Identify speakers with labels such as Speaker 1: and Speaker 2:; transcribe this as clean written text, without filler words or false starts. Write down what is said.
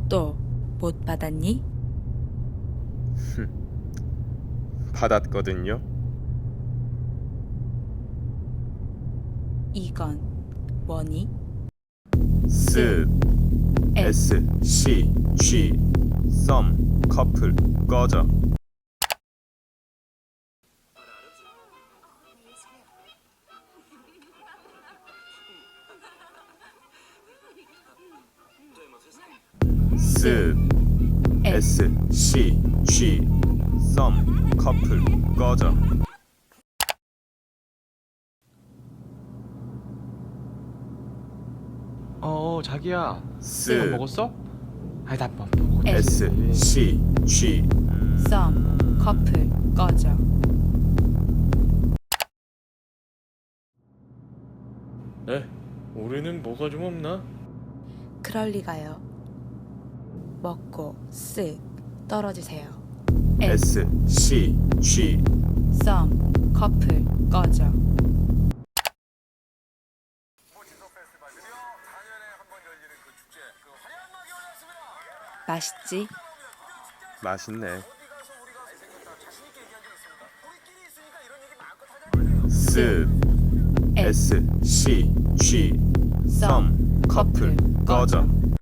Speaker 1: 또 못 받았니?
Speaker 2: 받았거든요.
Speaker 1: 이건 뭐니?
Speaker 2: 스 S C G 썸 커플 꺼져. 스 S C G 썸 커플 꺼져.
Speaker 3: 자기야.
Speaker 2: 스
Speaker 3: 이거 먹었어? 아니 나 먹었지.
Speaker 2: S C G
Speaker 1: 썸 커플 꺼져.
Speaker 4: 네, 올해는 뭐가 좀 없나?
Speaker 1: 그럴 리가요. 먹고 쓱 떨어지세요.
Speaker 2: S C G
Speaker 1: 썸 커플 꺼져. 맛있지?
Speaker 2: 맛있네. 스 S C G 썸 커플 꺼져.